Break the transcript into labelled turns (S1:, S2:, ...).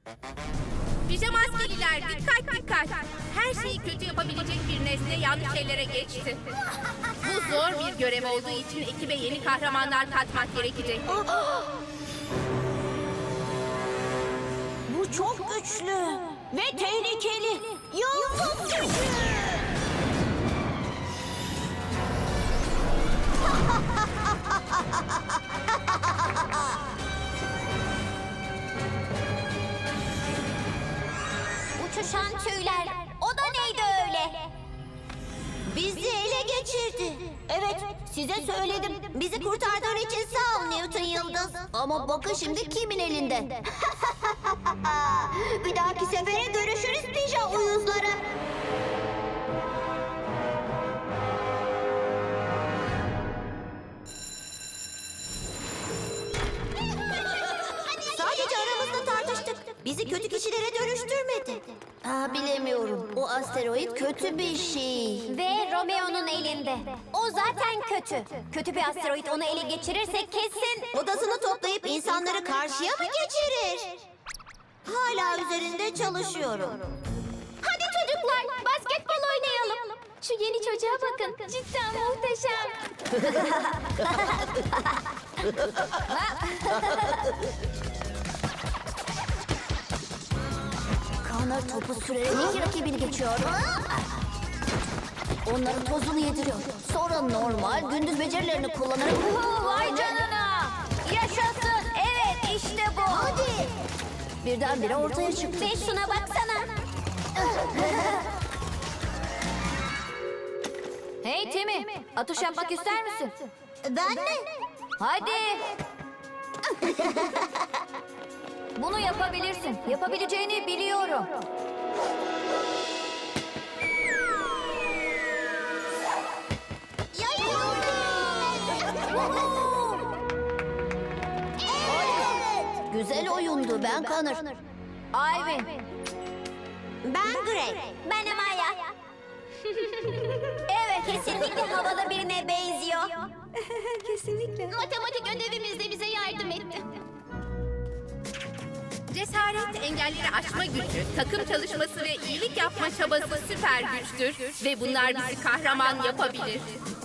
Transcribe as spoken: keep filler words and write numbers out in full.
S1: Pijamaskeliler dikkat dikkat. Her şeyi kötü yapabilecek bir nesne yanlış ellere geçti. Bu zor bir görev olduğu için ekibe yeni kahramanlar katmak gerekecek.
S2: Bu çok güçlü ve tehlikeli. Yıldız gücü.
S3: Uçuşan tüyler. O da neydi öyle?
S2: Bizi ele geçirdi. Evet, size söyledim. Bizi kurtardığın için sağ ol Newton Yıldız. Ama bakın şimdi kimin elinde? Bir dahaki sefere görüşürüz pija uyuzları. Sadece aramızda tartıştık. Bizi kötü kişilere dönüştürmedi. Aa, bilemiyorum. O asteroid kötü bir şey.
S3: Ve Romeo'nun elinde. O zaten kötü. Kötü bir asteroid onu ele geçirirse kesin...
S2: Odasını toplayıp insanları karşıya mı geçirir? Hala üzerinde çalışıyorum.
S3: Hadi çocuklar basketbol oynayalım. Şu yeni çocuğa bakın. Cidden muhteşem.
S2: Connor topu sürerek iki rakibini geçiyor. Onların tozunu yediriyor. Sonra normal gündüz becerilerini kullanarak...
S3: Vay canına. Yaşasın. Evet işte bu.
S2: Hadi! Birdenbire ortaya çıktı.
S3: Ve şuna baksana.
S4: Hey Timi, atış yapmak ister misin?
S2: Ben mi?
S4: Hadi. Bunu yapabilirsin. Yapabileceğini biliyorum.
S2: Güzel oyundu. Ben Connor.
S4: Ivy.
S2: Ben Greg.
S3: Ben Amaya. Evet kesinlikle havalı birine benziyor.
S4: Kesinlikle.
S3: Matematik ödevimizde bize yardım etti.
S1: Cesaret, engelleri aşma gücü, takım çalışması ve iyilik yapma çabası süper güçtür. Ve bunlar bizi kahraman yapabilir.